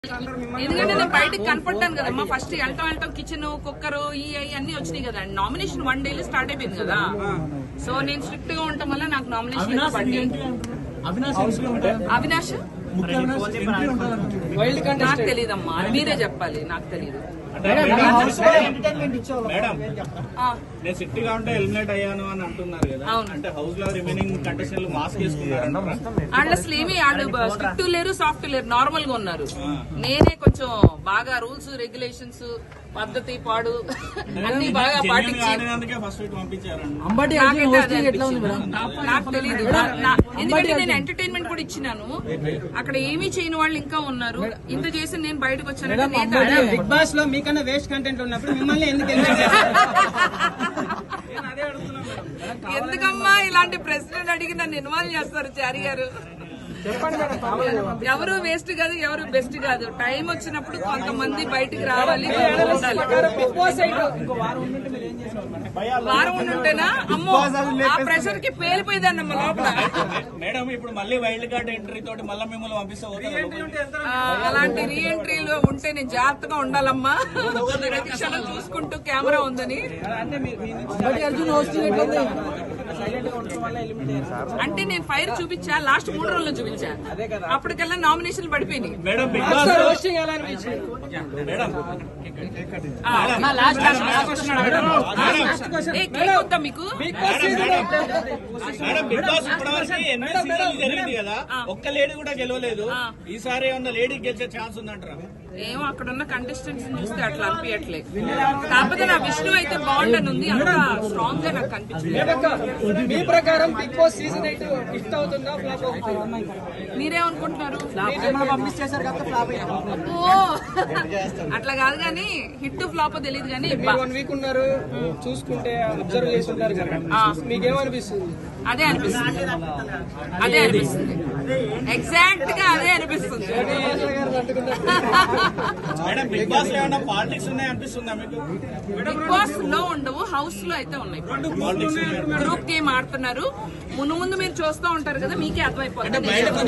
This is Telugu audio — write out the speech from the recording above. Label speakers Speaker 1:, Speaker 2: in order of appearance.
Speaker 1: ఎందుకంటే నేను బయటకు కనపడ్డాను కదమ్మా. ఫస్ట్ వెళ్ళటం కిచెన్ కుక్కర్ అన్ని వచ్చినాయి కదా. నామినేషన్ 1 day స్టార్ట్ అయిపోయింది కదా. సో నేను స్ట్రిక్ట్ గా ఉండటం వల్ల నాకు నామినేషన్ అవినాష్ నాకు తెలియదమ్మా, మీరే చెప్పాలి, నాకు తెలియదు.
Speaker 2: మేడం నేను సిట్ గా ఉంటే ఎలిమినేట్ అయ్యాను అని అంటున్నారు కదా. అంటే హౌస్ లో రిమైనింగ్ కంటెస్టెంట్లు మాస్క్ వేసుకున్నారు.
Speaker 1: వాళ్ళు అసలు ఏమి వాళ్ళు స్ట్రిక్ట్ లేరు, సాఫ్ట్ లేరు, నార్మల్ గా ఉన్నారు. నేనే కొంచెం బాగా రూల్స్ రెగ్యులేషన్స్ పద్ధతి పాడు అన్ని బాగా పాటించి నాకు తెలియదు. ఎందుకంటే నేను ఎంటర్టైన్మెంట్ కూడా ఇచ్చినాను. అక్కడ ఏమీ చేయని వాళ్ళు ఇంకా ఉన్నారు. ఇంత చేసి నేను బయటకు వచ్చాను.
Speaker 3: బిగ్ బాస్ లో మీకన్నా వేస్ట్ కంటెంట్ ఉన్నప్పుడు మిమ్మల్ని ఎందుకు
Speaker 1: ఎందుకమ్మా ఇలాంటి ప్రశ్నలు అడిగి నన్ను ఇన్వాల్వ్ చేస్తారు చారి గారు? ఎవరు వేస్ట్ కాదు, ఎవరు బెస్ట్ కాదు. టైం వచ్చినప్పుడు కొంతమంది బయటికి రావాలి. వారం ఉండుంటేనా అమ్మో ఆ ప్రెషర్ కి పేలిపోయేదాన్నమ్మ లోపల.
Speaker 2: మేడం ఇప్పుడు మళ్ళీ వైల్డ్ కార్డ్ ఎంట్రీ తోటి మళ్ళీ మిమ్మల్ని పంపిస్తా.
Speaker 1: అలాంటి రీ ఎంట్రీలు ఉంటే నేను జాగ్రత్తగా ఉండాలమ్మా. ప్రతి క్షణం చూసుకుంటూ కెమెరా ఉందని. అంటే నేను ఫైర్ చూపించా, లాస్ట్ 3 రోజుల్లో చూపించా. అప్పటికల్లా నామినేషన్ పడిపోయినాయి. మీకు
Speaker 2: జరిగింది కదా, ఒక్క లేడీ కూడా గెలవలేదు. ఈసారి ఏమన్నా లేడీ గెలిచే ఛాన్స్ ఉందంటారా?
Speaker 1: ఏమో అక్కడ ఉన్న కంటెస్టెంట్స్ చూస్తే అట్లా అనిపించట్లేదు. కాకపోతే నా విష్ణు అయితే బాగుండని ఉంది. అంత స్ట్రాంగ్ గా నాకు కనిపించింది.
Speaker 3: మీ ప్రకారం బిగ్ బాస్ సీజన్ 8 హిట్ అవుతుందా ఫ్లాప్ అవుతుందా?
Speaker 1: మీరేమనుకుంటున్నారు? అట్లా కాదు కానీ హిట్ ఫ్లాప్ తెలియదు కానీ
Speaker 3: 1 వీక్ ఉన్నారు చూసుకుంటే అబ్జర్వ్ చేసి ఉంటారు కదా, మీకేమనిపిస్తుంది?
Speaker 1: అదే అనిపిస్తుంది, అదే అనిపిస్తుంది, ఎగ్జాక్ట్ గా అదే అనిపిస్తుంది.
Speaker 2: బిగ్ బాస్ లో ఏమైనా పాలిటిక్స్ ఉన్నాయి అనిపిస్తుందా మీకు?
Speaker 1: బిగ్ బాస్ లో ఉండవు, హౌస్ లో అయితే ఉన్నాయి. గ్రూప్ గేమ్ ఆడుతున్నారు. ముందు మీరు చూస్తూ ఉంటారు కదా, మీకే అర్థమైపోతుంది.